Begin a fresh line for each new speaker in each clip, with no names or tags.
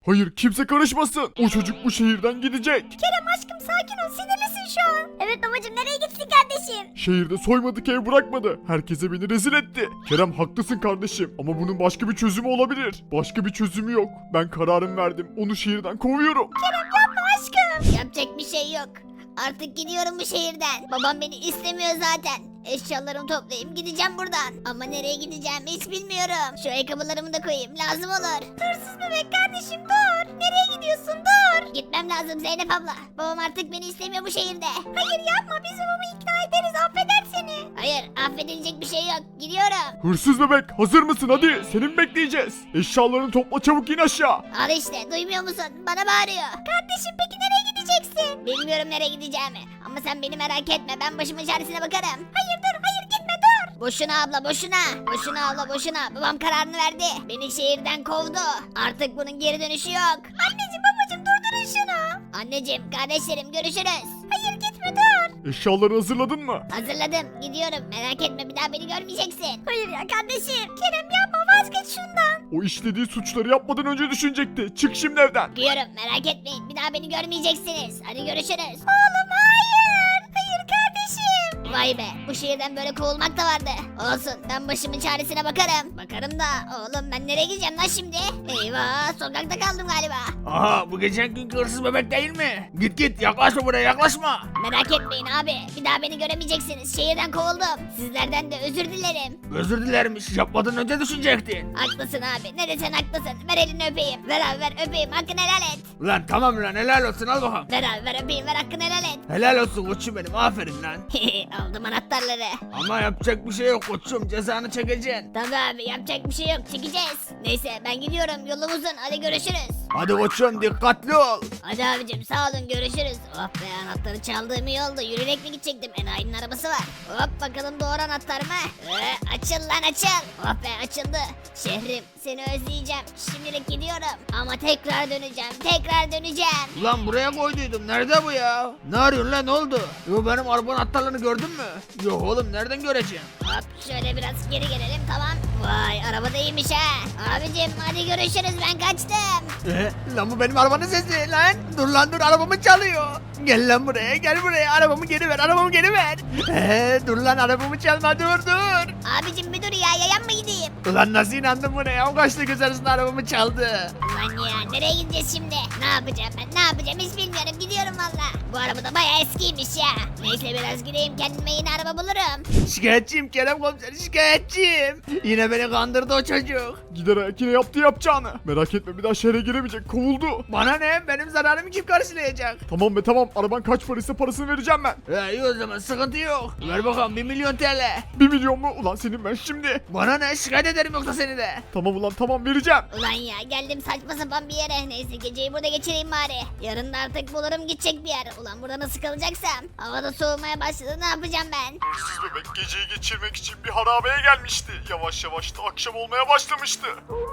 Hayır, kimse karışmasın. O çocuk bu şehirden gidecek.
Kerem aşkım sakin ol, sinirlisin şu an. Evet babacım, nereye gitsin kardeşim?
Şehirde soymadık ev bırakmadı. Herkese beni rezil etti. Kerem haklısın kardeşim ama bunun başka bir çözümü olabilir. Başka bir çözümü yok. Ben kararım verdim. Onu şehirden kovuyorum.
Kerem yapma aşkım. Yapacak bir şey yok. Artık gidiyorum bu şehirden. Babam beni istemiyor zaten. Eşyalarımı toplayayım gideceğim buradan. Ama nereye gideceğimi hiç bilmiyorum. Şu ayakkabılarımı da koyayım, lazım olur. Hırsız bebek kardeşim dur. Nereye gidiyorsun, dur. Gitmem lazım Zeynep abla. Babam artık beni istemiyor bu şehirde. Hayır yapma, biz babamı ikna ederiz, affeder seni. Hayır, affedilecek bir şey yok, gidiyorum.
Hırsız bebek, hazır mısın? Hadi, seni mi bekleyeceğiz? Eşyalarını topla, çabuk in aşağı.
Al işte, duymuyor musun? Bana bağırıyor. Kardeşim peki nereye gideceksin? Bilmiyorum nereye gideceğimi. Ama sen beni merak etme, ben başımın çaresine bakarım. Hayır dur, hayır gitme dur. Boşuna abla boşuna. Boşuna abla boşuna. Babam kararını verdi. Beni şehirden kovdu. Artık bunun geri dönüşü yok. Anneciğim babacığım durdurun şunu. Anneciğim kardeşlerim görüşürüz. Hayır gitme dur.
Eşyaları hazırladın mı?
Hazırladım, gidiyorum, merak etme, bir daha beni görmeyeceksin. Hayır ya kardeşim, Kerem yapma, vazgeç şundan.
O işlediği suçları yapmadan önce düşünecekti. Çık şimdi evden.
Gidiyorum, merak etmeyin, bir daha beni görmeyeceksiniz. Hadi görüşürüz. Oğlum hayır. Hayır kardeşim. Vay be, bu şehirden böyle kovulmak da vardı. Olsun, ben başımın çaresine bakarım. Bakarım da oğlum, ben nereye gideceğim lan şimdi? Eyvah, sokakta kaldım galiba.
Aha bu geçen günkü hırsız bebek değil mi? Git git yaklaşma buraya yaklaşma.
Merak etmeyin abi, bir daha beni göremeyeceksiniz. Şehirden kovuldum. Sizlerden de özür dilerim.
Özür dilermiş yapmadan önce düşünecektin.
Haklısın abi, ne desen haklısın. Ver elini öpeyim. Ver abi ver, öpeyim, hakkını helal et.
Ulan tamam lan helal olsun al bakalım.
Ver abi ver, öpeyim, ver, hakkını helal et.
Helal olsun koçum benim aferin lan.
Aldım anahtarları.
Ama yapacak bir şey yok koçum cezanı çekeceksin.
Tabii abi, yapacak bir şey yok, çekeceğiz. Neyse ben gidiyorum, yolum uzun, hadi görüşürüz.
Hadi koçum dikkatli ol.
Hadi abicim sağ olun, görüşürüz. Oh be, anahtarı çaldığım iyi oldu, yürüyerek mi gidecektim, enayinin arabası var. Hop bakalım doğru anahtar mı? Açıl lan açıl. Oh be açıldı. Şehrim seni özleyeceğim, şimdilik gidiyorum. Ama tekrar döneceğim, tekrar döneceğim.
Ulan buraya koyduydum nerede bu ya? Ne arıyorsun lan ne oldu? Yo benim arabanın anahtarlarını gördün mü? Yok oğlum nereden göreceğim?
Hop şöyle biraz geri gelelim, tamam. Vay araba da iyiymiş ha. Abicim hadi görüşürüz, ben kaçtım.
Lan bu benim arabanın sesi lan. Dur lan dur arabamı çalıyor. Gel lan buraya gel buraya arabamı geri ver arabamı geri ver. Dur lan arabamı çalma dur.
Abicim bir dur ya, yayan mı gideyim?
Ulan nasıl inandın buna ya? O kaçta göz arasında arabamı çaldı.
Ulan ya nereye gideceğiz şimdi? Ne yapacağım ben, ne yapacağım hiç bilmiyorum, gidiyorum valla. Bu araba da bayağı eskiymiş ya. Neyse biraz gideyim, kendime yeni araba bulurum.
Şikayetçiyim Kerem komiser şikayetçiyim. Yine beni kandırdı o çocuk.
Gider ayak yine yaptı yapacağını. Merak etme, bir daha şehre giremeyecek. Kovuldu.
Bana ne? Benim zararımı kim karşılayacak?
Tamam be tamam. Araban kaç paraysa parasını vereceğim ben.
İyi o zaman sıkıntı yok. Ver bakalım 1 milyon TL.
1 milyon mu? Ulan senin ben şimdi.
Bana ne? Şikayet ederim yoksa seni de.
Tamam ulan tamam, vereceğim.
Ulan ya geldim saçma sapan bir yere. Neyse geceyi burada geçireyim bari. Yarın da artık bulurum gidecek bir yer. Ulan burada nasıl kalacaksam. Havada soğumaya başladı, ne yapacağım ben?
Hırsız bebek geceyi geçirmek için bir harabeye gelmişti. Yavaş yavaş da akşam olmaya başlamıştı.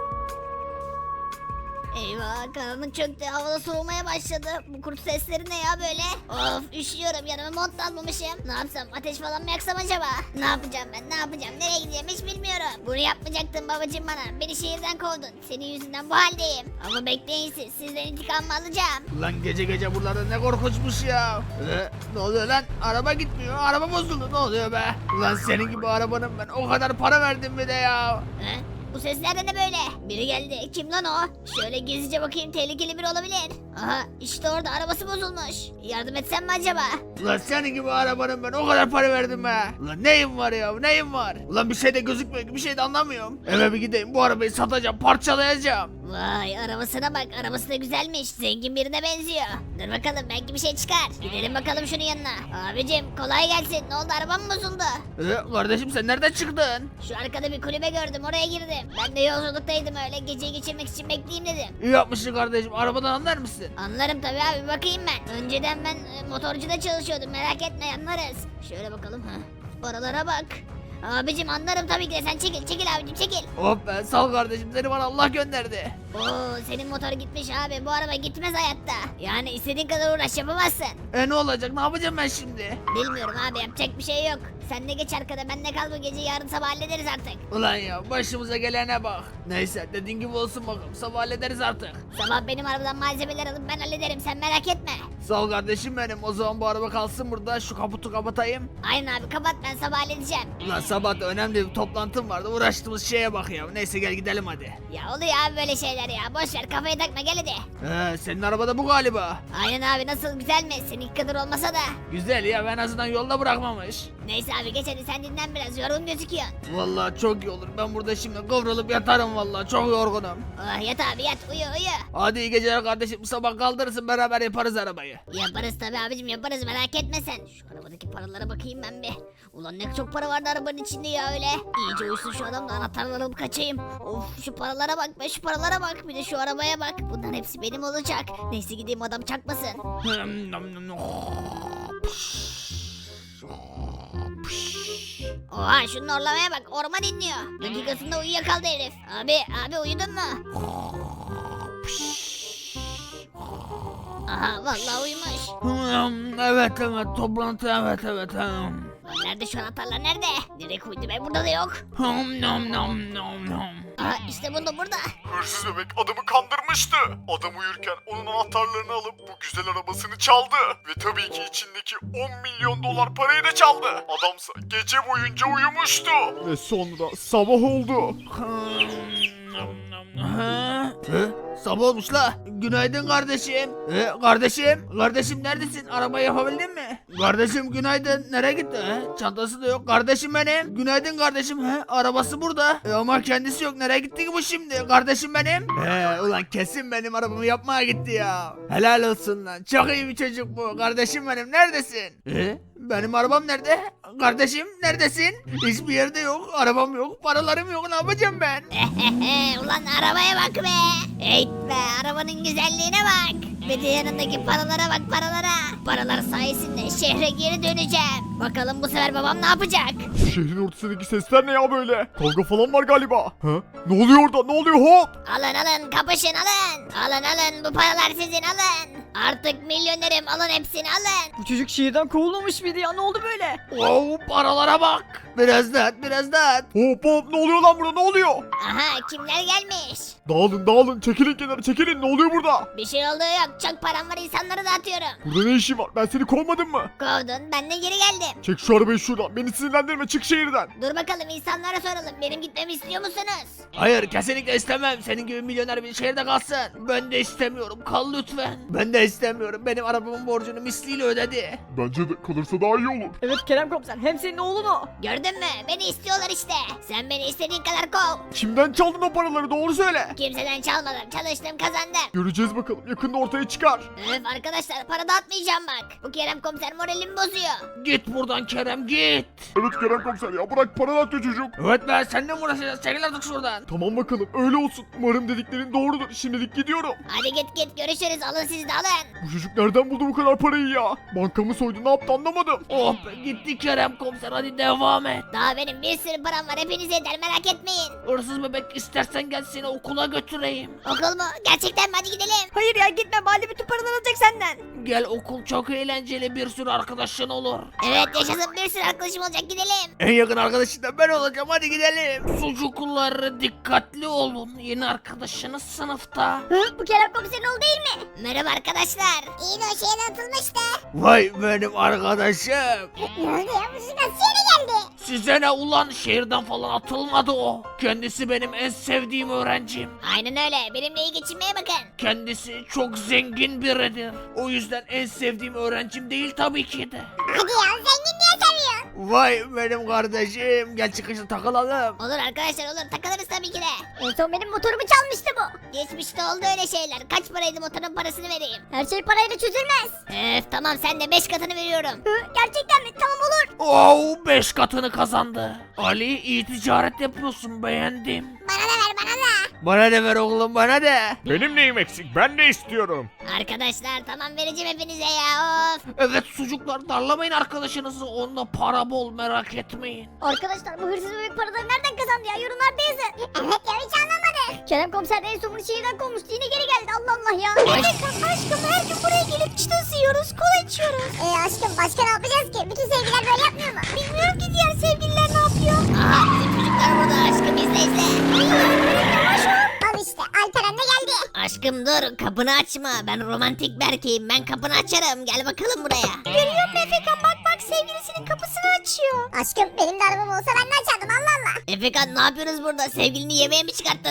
Eyvah, karanlık çöktü, havada soğumaya başladı. Bu kurt sesleri ne ya böyle? Of üşüyorum, yanıma mont da almamışım. Ne yapsam, ateş falan mı yaksam acaba? Ne yapacağım ben, ne yapacağım, nereye gideceğim hiç bilmiyorum. Bunu yapmayacaktın babacığım bana, beni şehirden kovdun. Senin yüzünden bu haldeyim. Ama bekleyin siz, sizden intikamımı alacağım.
Ulan gece gece buralarda ne korkunçmuş ya. Ne oluyor lan? Araba gitmiyor. Araba bozuldu. Ne oluyor be? Ulan senin gibi arabanın ben o kadar para verdim bir de ya.
He? Bu sesler de ne böyle? Biri geldi. Kim lan o? Şöyle gizlice bakayım, tehlikeli biri olabilir. Aha işte orada, arabası bozulmuş. Yardım etsem mi acaba?
Ulan senin gibi arabanın ben o kadar para verdim be. Ulan neyim var ya neyim var? Ulan bir şey de gözükmüyor ki bir şey de anlamıyorum. Eve bir gideyim bu arabayı satacağım parçalayacağım.
Vay arabasına bak, arabası da güzelmiş, zengin birine benziyor. Dur bakalım, belki bir şey çıkar. Gidelim bakalım şunun yanına. Abicim kolay gelsin, ne oldu, arabam mı bozuldu?
Kardeşim sen nereden çıktın?
Şu arkada bir kulübe gördüm, oraya girdim. Ben de yolculuktaydım, öyle geceyi geçirmek için bekleyeyim dedim.
İyi yapmışsın kardeşim arabadan anlar mısın?
Anlarım tabii abi, bakayım ben. Önceden ben motorcuda çalışıyordum, merak etme anlarız. Şöyle bakalım ha. Paralara bak. Abicim anlarım tabii ki de, sen çekil çekil abicim çekil.
Hop be sağ ol kardeşim seni bana Allah gönderdi.
Oo senin motor gitmiş abi, bu araba gitmez hayatta. Yani istediğin kadar uğraş yapamazsın.
Ne olacak ne yapacağım ben şimdi?
Bilmiyorum abi, yapacak bir şey yok. Sen de geç arkada, ben de kal bu gece, yarın sabah hallederiz artık.
Ulan ya başımıza gelene bak. Neyse dediğin gibi olsun bakalım, sabah hallederiz artık.
Sabah benim arabadan malzemeler alıp ben hallederim, sen merak etme.
Sağ ol kardeşim benim, o zaman bu araba kalsın burada, şu kaputu kapatayım.
Aynen abi, kapat, ben sabah halledeceğim.
Ulan sabah da önemli bir toplantım vardı, uğraştığımız şeye bak ya. Neyse gel gidelim hadi.
Ya oluyor abi böyle şeyler ya, boş ver, kafayı takma, gel hadi.
Senin arabada bu galiba.
Aynen abi, nasıl, güzel mi? Seninki kadar olmasa da.
Güzel ya, en azından yolda bırakmamış.
Neyse abi geç hadi, sen dinlen biraz, yorgun gözüküyorsun.
Vallahi çok iyi olur, ben burada şimdi kıvrılıp yatarım, vallahi çok yorgunum.
Oh yat abi yat, uyu uyu.
Hadi iyi geceler kardeşim, sabah kaldırırsın, beraber yaparız arabayı.
Yaparız tabi abicim, yaparız, merak etme sen. Şu arabadaki paralara bakayım ben bir. Ulan ne çok para vardı arabanın içinde ya öyle. İyice uyusun şu adam da anahtarları alıp kaçayım. Of şu paralara bak be, şu paralara bak, bir de şu arabaya bak. Bunların hepsi benim olacak. Neyse gideyim, adam çakmasın. Oha şunun orlamaya bak, orman inliyor. Dakikasında uyuyakaldı herif. Abi uyudun mu? Aha vallahi uyumuş.
Evet toplantı evet.
Lan nerede şu anahtarlar, nerede? Direkt uydu be, burada da yok. Aha işte burada.
Hırsız bebek adamı kandırmıştı. Adam uyurken onun anahtarlarını alıp bu güzel arabasını çaldı. Ve tabii ki içindeki 10 milyon dolar parayı da çaldı. Adamsa gece boyunca uyumuştu. Ve sonra sabah oldu.
Sabah olmuş la. Günaydın kardeşim. Kardeşim neredesin? Arabayı yapabildin mi? Kardeşim günaydın. Nereye gitti? Çantası da yok. Kardeşim benim. Günaydın kardeşim. Arabası burada. Ama kendisi yok. Nereye gitti ki bu şimdi? Kardeşim benim. Ulan kesin benim arabamı yapmaya gitti ya. Helal olsun lan. Çok iyi bir çocuk bu. Kardeşim benim. Neredesin? Benim arabam nerede? Kardeşim neredesin? Hiçbir yerde yok. Arabam yok. Paralarım yok. Ne yapacağım ben?
Ulan arabaya bak be. Eyt be, arabanın güzelliğine bak. Bir de yanındaki paralara bak, paralara. Paralar sayesinde şehre geri döneceğim. Bakalım bu sefer babam ne yapacak?
Şehrin ortasındaki sesler ne ya böyle? Kavga falan var galiba. Ha? Ne oluyor orada? Ne oluyor hop?
Alın kapışın alın. Alın bu paralar sizin, alın. Artık milyonerim, alın hepsini alın.
Bu çocuk şehirden kovulmamış mıydı ya? Ne oldu böyle?
Wow, paralara bak. Biraz daha.
Hop ne oluyor lan burada, ne oluyor?
Aha kimler gelmiş?
Dağılın çekilin kenara, çekilin, ne oluyor burada?
Bir şey olduğu yok, çok param var, insanlara dağıtıyorum.
Burada ne işin var, ben seni kovmadım mı?
Kovdun, ben de geri geldim.
Çek şu arabayı şuradan, beni sinirlendirme, çık şehirden.
Dur bakalım, insanlara soralım, benim gitmemi istiyor musunuz?
Hayır kesinlikle istemem. Senin gibi milyoner bir şehirde kalsın. Ben de istemiyorum. Kal lütfen. Ben de istemiyorum. Benim arabamın borcunu misliyle ödedi.
Bence de kalırsa daha iyi olur.
Evet Kerem komiser, hem senin oğlun o.
Gördün mü? Beni istiyorlar işte. Sen beni istediğin kadar kov.
Kimden çaldın o paraları, doğru söyle.
Kimseden çalmadım, çalıştım, kazandım.
Göreceğiz bakalım, yakında ortaya çıkar.
Öf arkadaşlar, para dağıtmayacağım bak. Bu Kerem komiser moralimi bozuyor.
Git buradan Kerem git.
Evet Kerem komiser ya, bırak, para dağıtıyor çocuk.
Evet ben seninle mi uğraşacağız? Çekil artık şuradan.
Tamam bakalım, öyle olsun. Umarım dediklerin doğrudur. Şimdilik gidiyorum.
Hadi git görüşürüz, alın siz de alın.
Bu çocuk nereden buldu bu kadar parayı ya? Bankamı soydu, ne yaptı anlamadım.
Oh be gitti Kerem komiser, hadi devam et.
Daha benim bir sürü param var, hepinize yeter, merak etmeyin.
Hırsız bebek istersen gel seni okula götüreyim.
Okul mu? Gerçekten mi? Hadi gidelim.
Hayır ya gitme, Bali bütün paraları alacak senden.
Gel, okul çok eğlenceli, bir sürü arkadaşın olur.
Evet yaşasın, bir sürü arkadaşım olacak, gidelim.
En yakın arkadaşın da ben olacağım, hadi gidelim. Çocuklar dikkatli olun, yeni arkadaşınız sınıfta.
Bu Kerem komiserin oğlu değil mi? Merhaba arkadaşlar. İyi de o şehirden atılmıştı.
Vay benim arkadaşım.
Ne oldu ya? Bu nasıl yere geldi?
Size ne ulan, şehirden falan atılmadı o. Kendisi benim en sevdiğim öğrencim.
Aynen öyle. Benimle iyi geçinmeye bakın.
Kendisi çok zengin biridir. O yüzden en sevdiğim öğrencim değil tabii ki de.
Hadi ya, zengin diye seviyorsun.
Vay benim kardeşim, gel çıkışta takılalım.
Olur arkadaşlar, olur, takılırız tabii ki de.
En son benim motorumu çalmıştı bu.
Geçmişte oldu öyle şeyler. Kaç paraydı motorun parasını vereyim.
Her şey parayla çözülmez.
Tamam, sen de 5 katını veriyorum.
Gerçekten mi? Tamam olur.
Oh 5 katını kazandı. Ali iyi ticaret yapıyorsun, beğendim.
Bana da ver, bana da.
Bana da ver oğlum, bana da.
Benim neyim eksik, ben de istiyorum.
Arkadaşlar tamam, vereceğim hepinize ya, of.
Evet çocuklar, darlamayın arkadaşınızı, onda para bol, merak etmeyin.
Arkadaşlar bu hırsız bebek paraları nereden kazandı ya? Yorumlarda yazın. Evet ya, hiç anlamadık. Kerem komiser en son bunu şehirden kovmuştu. Yine geri geldi. Allah Allah ya. Evet aşkım, her gün buraya gelip çıta yiyoruz, kola içiyoruz. Aşkım başka ne yapacağız ki? Bütün sevgiler böyle yapmıyor mu? Bilmiyorum ki diğer
aşkım dur, kapını açma. Ben romantik bir erkeğim, ben kapını açarım. Gel bakalım buraya.
Görüyor musun Efekan, bak bak sevgilisinin kapısını açıyor. Aşkım benim de arabam olsa ben de açardım Allah Allah.
Efekan ne yapıyorsunuz burada? Sevgilini yemeğe mi çıkarttın?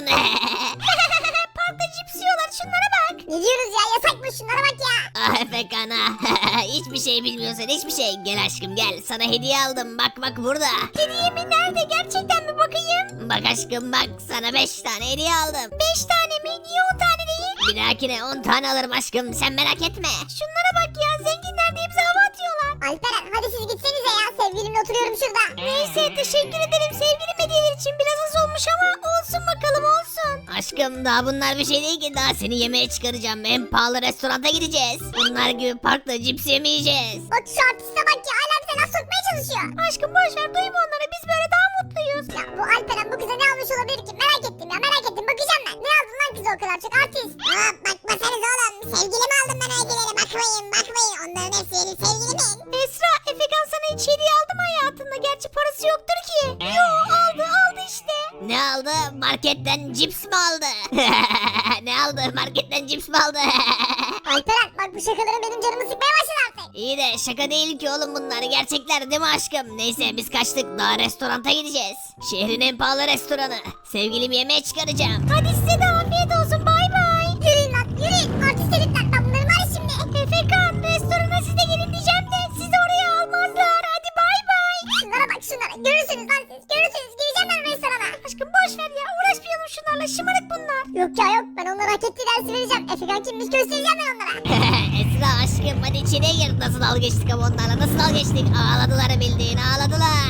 Parkta cips yiyorlar, şunlara bak. Ne diyoruz ya, yasakmış, şunlara bak ya.
Ah Efekan ah. Hiçbir şey bilmiyorsun, hiçbir şey. Gel aşkım gel, sana hediye aldım. Bak bak burada.
Hediye mi, nerede, gerçekten mi, bakayım.
Bak aşkım bak, sana 5 tane hediye aldım.
5 tane mi, niye 10 tane değil?
Bir dahakine 10 tane alırım aşkım, sen merak etme.
Şunlara bak ya, zenginler de hepsi hava atıyorlar. Alperen hadi siz gitsenize ya, sevgilimle oturuyorum şurada. Neyse teşekkür ederim sevgilim, hediyeler için biraz az olmuş ama olsun bakalım olsun.
Aşkım daha bunlar bir şey değil ki, daha seni yemeğe çıkaracağım. En pahalı restoranta gideceğiz. Bunlar gibi parkta cips yemeyeceğiz.
Bak şu artiste bak ya, hala bize laf sokmaya çalışıyor. Aşkım boşver, duyma onları, biz böyle daha mutluyuz. Ya bu Alperen bu kıza ne almış olabilir ki, merak ettim ya, merak ettim, bakacağım ben. Ne aldın lan kıza o kadar çok artist? Aa bakmasanız oğlum, sevgilimi aldım ben hediyeleri, bakmayın onların hepsi benim sevgilimin. Esra, Efekan sana hiç hediye aldı mı hayatında, gerçi parası yoktur ki. Yo aldı işte.
Ne aldı? Marketten cips mi aldı? Ne aldı? Marketten cips mi aldı?
Alperen bak bu şakaların benim canımı sıkmaya başladı artık.
İyi de şaka değil ki oğlum, bunlar gerçekler değil mi aşkım? Neyse biz kaçtık, daha restoranta gideceğiz. Şehrin en pahalı restoranı. Sevgilimi yemeğe çıkaracağım.
Hadi size de afiyet olsun, bay bay. Yürüyün lan yürüyün, artist herifler, ben bunları var ya şimdi. Efekan restorana siz de gelin diyeceğim de sizi oraya almazlar, hadi bay bay. Şunlara bak şunlara, görürsünüz lan siz, görürsünüz, gireceğim ben restorana. Aşkım boş ver ya, uğraşmayalım şunlarla, şımarık bunlar. Yok ya yok, ben onlara hak ettiği dersi vereceğim. Efekan kimmiş göstereceğim ben onlara.
Esra aşkım hadi içine gir. Nasıl dalga geçtik ama onlarla, nasıl dalga geçtik? Ağladılar bildiğin, ağladılar.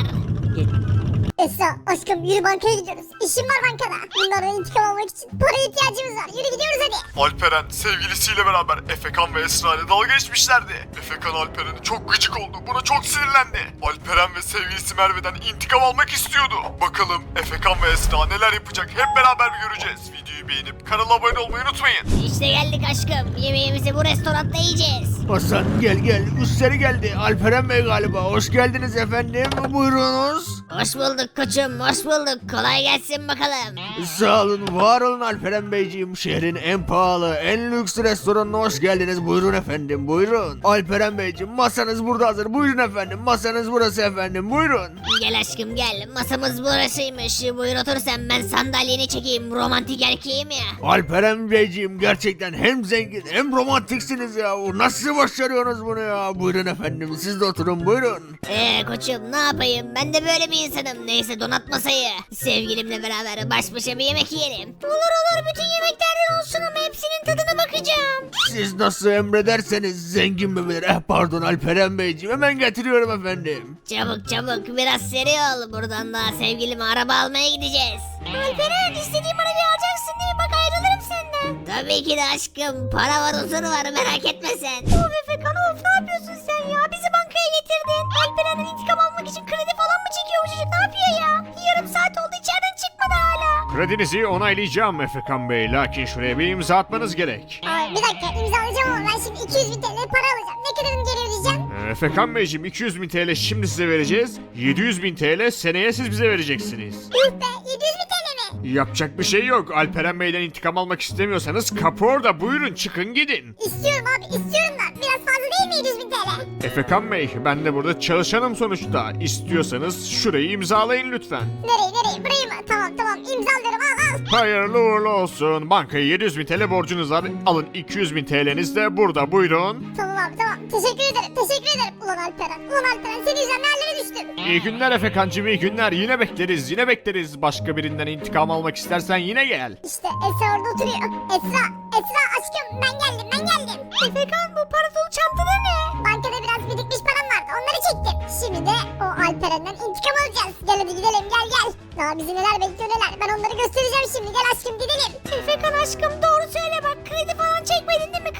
Esra aşkım yürü, bankaya gidiyoruz. İşim var bankada. Bunlardan intikam almak için paraya ihtiyacımız var. Yürü gidiyoruz hadi.
Alperen sevgilisiyle beraber Efekan ve Esra ile dalga geçmişlerdi. Efekan Alperen'e çok gıcık oldu. Buna çok sinirlendi. Alperen ve sevgilisi Merve'den intikam almak istiyordu. Bakalım Efekan ve Esra neler yapacak hep beraber bir göreceğiz. Videoyu beğenip kanala abone olmayı unutmayın.
İşte geldik aşkım. Yemeğimizi bu restoranda yiyeceğiz.
Hasan gel müşteri geldi. Alperen Bey galiba. Hoş geldiniz efendim. Buyurunuz.
Hoş bulduk koçum, hoş bulduk. Kolay gelsin bakalım.
Sağ olun, var olun Alperen Beyciğim. Şehrin en pahalı, en lüks restoranına hoş geldiniz. Buyurun efendim, buyurun. Alperen Beyciğim, masanız burada hazır. Buyurun efendim, masanız burası efendim. Buyurun.
Gel aşkım gel. Masamız burasıymış. Buyur otur sen, ben sandalyeni çekeyim. Romantik erkeğim ya.
Alperen Beyciğim gerçekten hem zengin hem romantiksiniz ya. Nasıl başarıyorsunuz bunu ya? Buyurun efendim, siz de oturun buyurun.
Koçum ne yapayım? Ben de böyle bir insanım. Neyse donat masayı. Sevgilimle beraber baş başa bir yemek yiyelim.
Olur bütün yemeklerden olsun ama hepsinin tadına bakacağım.
Siz nasıl emrederseniz, zengin mi bilir? Pardon Alperen Beyciğim, hemen getiriyorum efendim.
Çabuk biraz seri ol. Buradan da sevgilime araba almaya gideceğiz.
Alperen istediğim arabayı alacaksın değil mi? Bak ayrılırım senden.
Tabii ki de aşkım. Para var, huzur var, merak etme sen.
Of Efekan of, ne yapıyorsun sen ya? Bizi bankaya getirdin. Alperen'den intikam almak için kredi falan mı çekiyor bu çocuk? Ne yapıyor ya? Yarım saat oldu, içeriden çıkmadı hala.
Kredinizi onaylayacağım Efekan Bey. Lakin şuraya bir imza atmanız gerek.
Ay, bir dakika imzalayacağım ama ben şimdi 200 bin TL para alacağım. Ne kadarını geri ödeyeceğim?
Efekan Beyciğim 200 bin TL şimdi size vereceğiz. 700 bin TL seneye siz bize vereceksiniz.
Yuh be, 700 bin TL mi?
Yapacak bir şey yok. Alperen Bey'den intikam almak istemiyorsanız kapı orada. Buyurun çıkın gidin.
İstiyorum abi, istiyorum da. Biraz fazla değil mi 700 bin TL?
Efekan Bey ben de burada çalışanım sonuçta. İstiyorsanız şurayı imzalayın lütfen.
Nereye? Burayı mı? Tamam imzalıyorum, al.
Hayırlı uğurlu olsun. Bankaya 700 bin TL borcunuz var. Alın 200 bin TL'niz de burada buyurun.
Tamam abi tamam. Teşekkür ederim. Ulan Alperen senin yüzünden nerelere düştüm?
İyi günler Efekancığım, iyi günler. Yine bekleriz. Başka birinden intikam almak istersen yine gel.
İşte Esra orada oturuyor. Esra aşkım ben geldim. Efekan bu para dolu çantada ne? Bankada biraz birikmiş param vardı, onları çektim. Şimdi de o Alperen'den intikam alacağız. Gel hadi gidelim gel. Daha bizi neler bekliyor neler. Ben onları göstereceğim şimdi, gel aşkım gidelim. Efekan aşkım doğru söyle bak, kredi falan çekmedin değil mi?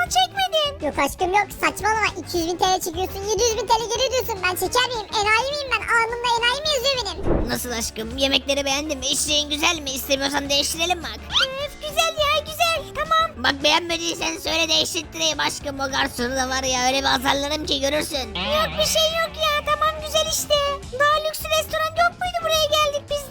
Yok aşkım yok, saçmalama. 200 bin TL çekiyorsun, 700 bin TL geri ödüyorsun. Ben çeker miyim? Enayi miyim ben? Alnımda enayi mi yazıyor benim?
Nasıl aşkım? Yemekleri beğendin mi? İçtiğin güzel mi? İstemiyorsan değiştirelim bak.
Güzel ya güzel, tamam.
Bak beğenmediysen söyle, değiştireyim aşkım. O garsonu da var ya, öyle bir azarlarım ki görürsün.
Yok bir şey yok ya, tamam güzel işte. Daha lüks restoran yok muydu, buraya geldik biz de.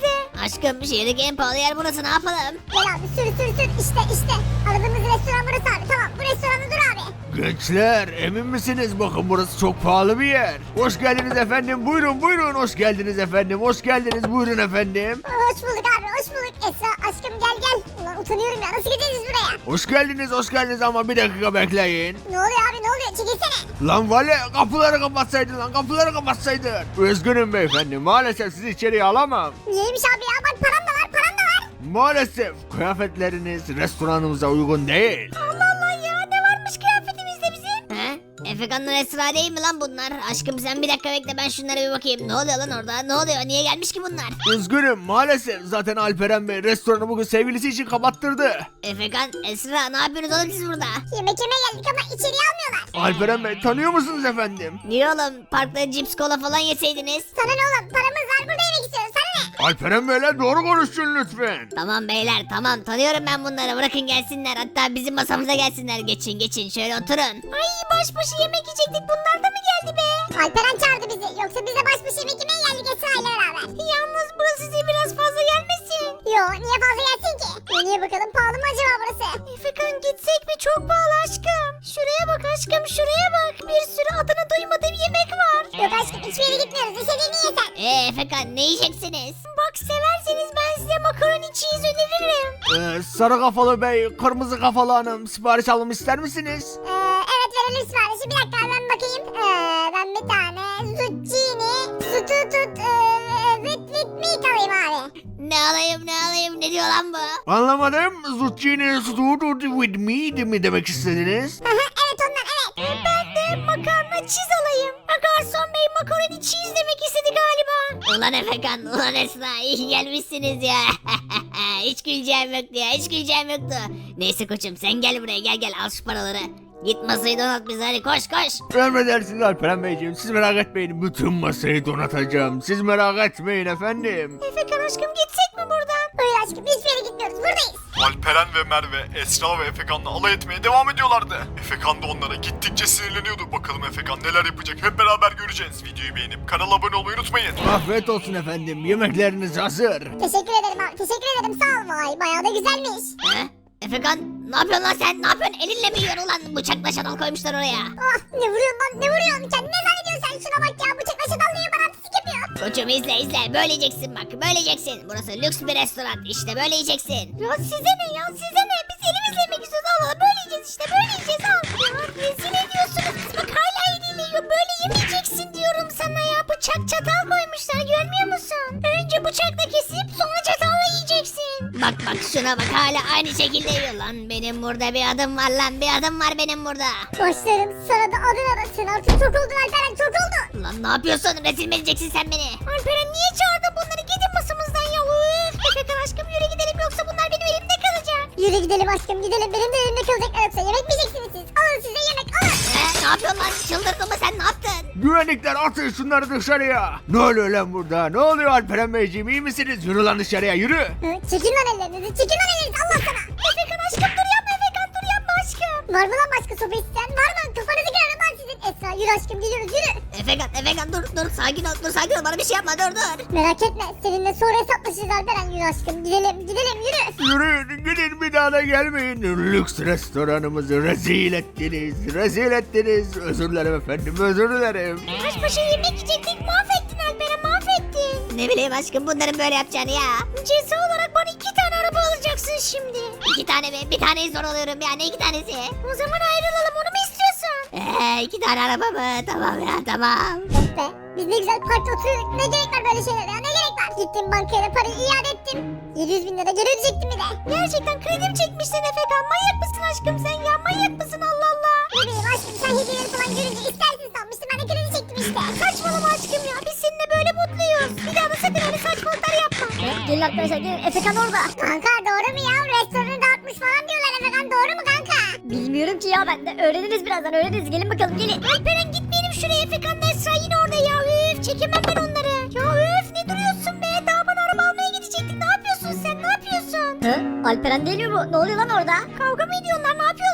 Aşkım şehirdeki en pahalı yer burası, ne yapalım?
Gel abi sür. İşte. Aradığımız restoran burası abi. Tamam bu restoranda dur abi.
Gençler emin misiniz? Bakın burası çok pahalı bir yer. Hoş geldiniz efendim. Buyurun. Hoş geldiniz efendim. Hoş geldiniz. Buyurun efendim.
Hoş bulduk abi hoş bulduk. Esra aşkım gel. Ulan utanıyorum ya nasıl gideceğiz buraya?
Hoş geldiniz ama bir dakika bekleyin.
Ne oluyor abi ne oluyor çekilsene.
Lan vali kapıları kapatsaydın lan, kapıları kapatsaydın. Üzgünüm beyefendi, maalesef sizi içeriye alamam.
Niyeymiş abi ya bak param da var.
Maalesef kıyafetleriniz restoranımıza uygun değil.
Allah ya ne varmış kıyafetimizde bizim?
He? Efekan'la Esra değil mi lan bunlar? Aşkım sen bir dakika bekle, ben şunlara bir bakayım. Ne oluyor lan orada? Ne oluyor? Niye gelmiş ki bunlar?
Üzgünüm maalesef, zaten Alperen Bey restoranı bugün sevgilisi için kapattırdı.
Efekan, Esra ne yapıyorsunuz oğlum siz burada?
Yemek yemeye geldik ama içeriye almıyorlar.
Alperen Bey tanıyor musunuz efendim?
Niye oğlum? Parkta cips kola falan yeseydiniz.
Sana ne oğlum paramız var burada yemek istiyoruz sana ne?
Alperen Bey'le doğru konuşun lütfen.
Tamam beyler tamam, tanıyorum ben bunları, bırakın gelsinler, hatta bizim masamıza gelsinler. Geçin şöyle oturun.
Ay baş başa yemek yiyecektik bunlar da mı geldi be? Alperen çağırdı bizi yoksa biz de baş başa yemek yemeye geldik Esra ile beraber. Yalnız burası size biraz fazla gelmesin. Yo niye fazla gelsin ki? Niye bakalım pahalı mı acaba burası? Efekan gitsek mi çok pahalı aşkım. Şuraya bak aşkım şuraya bak. Bir sürü adını duymadığım yemek var. Yok aşkım hiçbir yere gitmiyoruz istediğini yesen.
Efekan ne yiyeceksiniz?
Bak severseniz ben size makaroni cheese öneririm.
Sarı kafalı bey, kırmızı kafalı hanım, sipariş almamı ister misiniz?
Evet verelim siparişi. Bir dakika ben bakayım. Ben bir tane zucchini, with meat alayım abi.
Ne alayım ne diyor lan bu?
Anlamadım. Zucchini stewed with meat mi demek istediniz?
Evet ondan evet. Ben de makarna cheese alayım. Garson bey makaroni cheese demek istedi galiba.
Ulan Efekan, ulan Esra, iyi gelmişsiniz ya. Hiç güleceğim yoktu ya, hiç güleceğim yoktu. Neyse koçum sen gel buraya, gel al şu paraları. Git masayı donat bize, hadi koş.
Emredersiniz Alperen Beyciğim. Siz merak etmeyin. Bütün masayı donatacağım. Siz merak etmeyin efendim.
Efekan aşkım gitsek mi buradan? Hayır aşkım hiçbir yere gitmiyoruz buradayız.
Alperen ve Merve, Esra ve Efekan'la alay etmeye devam ediyorlardı. Efekan da onlara gittikçe sinirleniyordu. Bakalım Efekan neler yapacak, hep beraber göreceğiz. Videoyu beğenip kanala abone olmayı unutmayın.
Afiyet olsun efendim. Yemekleriniz hazır.
Teşekkür ederim abi teşekkür ederim sağ ol vay bayağı da güzelmiş.
He? Efekan ne yapıyorsun lan sen? Ne yapıyorsun? Elinle mi yiyorsun ulan? Bıçakla çatal koymuşlar oraya.
Ah ne vuruyorsun lan ne vuruyorsun sen ne zannediyorsun sen şuna bak ya bıçakla çatallıyor bana artistik yapıyor.
Koçum izle böyle yiyeceksin bak, böyle yiyeceksin. Burası lüks bir restoran, işte böyle yiyeceksin.
Ya size ne ya size ne biz elimizle yemek istiyoruz Allah böyle yiyeceğiz işte böyle yiyeceğiz al. Ya rezil ediyorsunuz biz bak hala eliyle yiyor böyle yemeyeceksin diyorum sana ya bıçak çatal koymuşlar görmüyor musun? Önce bıçakla kesip sonra çatalla yiyeceksin.
Bak şuna bak, hala aynı şekilde yiyor lan. Benim burada bir adım var lan, bir adım var benim burada.
Başlarım sana da adın arasın artık çok oldun Alperen çok oldu.
Lan ne yapıyorsun? Rezil mi edeceksin sen beni?
Alperen niye çağırdın bunları gidin masamızdan ya üf. Efekan aşkım yürü gidelim yoksa bunlar benim elimde kalacak. Yürü gidelim aşkım gidelim benim de elimde kalacaklar yoksa yemek mi yiyeceksiniz siz? Alın size yemek alın.
Ne yapıyorsun lan? Çıldırdın mı sen, ne yaptın?
Güvenlikler atın şunları dışarıya. Ne oluyor lan burada? Ne oluyor Alperen Beyciğim? İyi misiniz? Yürü lan dışarıya yürü.
Çekin lan ellerinizi çekin lan ellerinizi Allah sana. Efekan aşkım dur yapma Efekan dur yapma aşkım. Var mı lan başka sopa isteyen var mı? Kafanızı kırarım lan sizin. Esra yürü aşkım gidiyoruz yürü.
Efekan dur sakin ol bana bir şey yapma, dur.
Merak etme seninle sonra hesaplaşırız Alperen yürü aşkım gidelim yürü.
Yürüyün gidin bir daha da gelmeyin. Lüks restoranımızı rezil ettiniz. Özür dilerim efendim özür dilerim.
Baş başa yemek yiyecektik mahvettin Alperen mahvettin.
Ne bileyim aşkım bunların böyle yapacağını ya.
Ceza olarak bana 2 tane araba alacaksın şimdi.
2 tane mi? Bir taneyi zor alıyorum ya, ne 2 tanesi?
O zaman ayrılalım onu mu istiyorsun?
2 tane araba mı? Tamam ya tamam.
Of be biz ne güzel parkta oturuyorduk ne gerek var böyle şeylere ya ne gerek var? Gittim bankaya da parayı iade ettim. 700.000 lira geri ödeyecektim bir de. Gerçekten kredi mi çekmişsin Efekan manyak mısın aşkım sen ya manyak mısın Allah Allah. Ne bileyim aşkım sen hediyeleri falan görünce istersin sanmıştım ben de kredi çektim işte. Saçmalama aşkım ya biz seninle böyle mutluyuz. Bir daha da sakın öyle saçmalıklar yapma. Gelin arkadaşlar gelin Efekan orada. Kanka doğru mu ya restoranı dağıtmış falan diyorlar Efekan doğru mu kanka?
Bilmiyorum ki ya ben de. Öğreniriz birazdan öğreniriz. Gelin bakalım gelin.
Alperen gitmeyelim şuraya Efekan da Esra yine orada ya üf çekemem ben onları. Ya üf ne duruyorsun be daha bana araba almaya gidecektin ne yapıyorsun sen ne yapıyorsun?
Hı? Alperen değil mi bu? Ne oluyor lan orada?
Kavga mı ediyorlar ne yapıyorlar?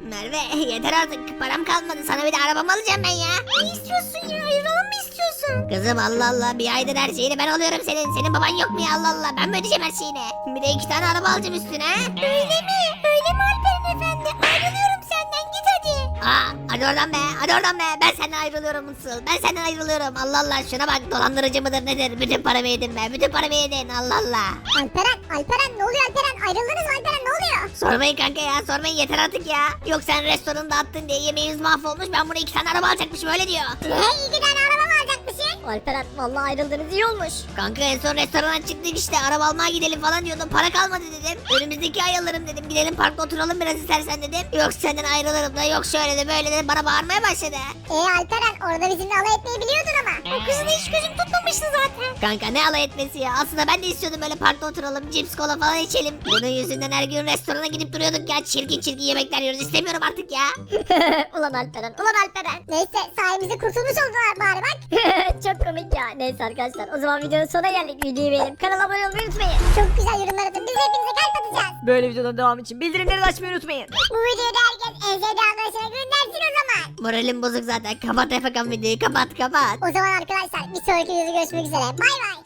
Merve yeter artık param kalmadı sana bir de arabamı alacağım ben ya. Ne istiyorsun ya ayrılalım mı istiyorsun? Kızım Allah Allah bir aydır her şeyini ben alıyorum senin baban yok mu ya Allah Allah ben mi ödeyeceğim her şeyini? Bir de 2 tane araba alacağım üstüne. Öyle mi Alperen efendi ayrılıyorum senden git hadi. Hadi oradan be ben senden ayrılıyorum Mutsuz ben senden ayrılıyorum Allah Allah şuna bak dolandırıcı mıdır nedir bütün paramı yedin be bütün paramı yedin Allah Allah.
Alperen ne oluyor Alperen? Ayrıldınız mı Alperen ne oluyor?
Sormayın kanka ya sormayın yeter artık ya. Yok sen restoranı dağıttın diye yemeğimiz mahvolmuş ben buraya 2 tane araba alacakmışım öyle diyor.
Ne 2 tane araba mı alacakmışsın?
Alperen vallahi ayrıldınız iyi olmuş.
Kanka en son restorana çıktık işte araba almaya gidelim falan diyordum para kalmadı dedim. Önümüzdeki ay alırım dedim gidelim parkta oturalım biraz istersen dedim. Yok senden ayrılırım da yok şöyle de böyle de bana bağırmaya başladı.
Alperen orada bizimle alay etmeyi biliyordun ama.
O kızı da hiç gözüm tutmamıştı zaten. Kanka ne alay etmesi ya aslında ben de istiyordum böyle parkta oturalım cips kola falan içelim. Bunun yüzünden her gün restorana gidip duruyorduk ya çirkin yemekler yiyoruz istemiyorum artık ya.
Ulan Alperen.
Neyse sayemizde kurtulmuş oldular bari bak.
Çok komik ya. Neyse arkadaşlar o zaman videonun sonuna geldik. Videoyu beğenip kanala abone olmayı unutmayın.
Çok güzel yorumlar atın biz hepinize kalp atacağız.
Böyle videoların devamı için bildirimleri de açmayı unutmayın.
Bu videoyu da herkes en sevdiği arkadaşına göndersin o zaman.
Moralim bozuk zaten kapat Efekan videoyu kapat.
O zaman arkadaşlar bir sonraki videoda görüşmek üzere. Bay bay.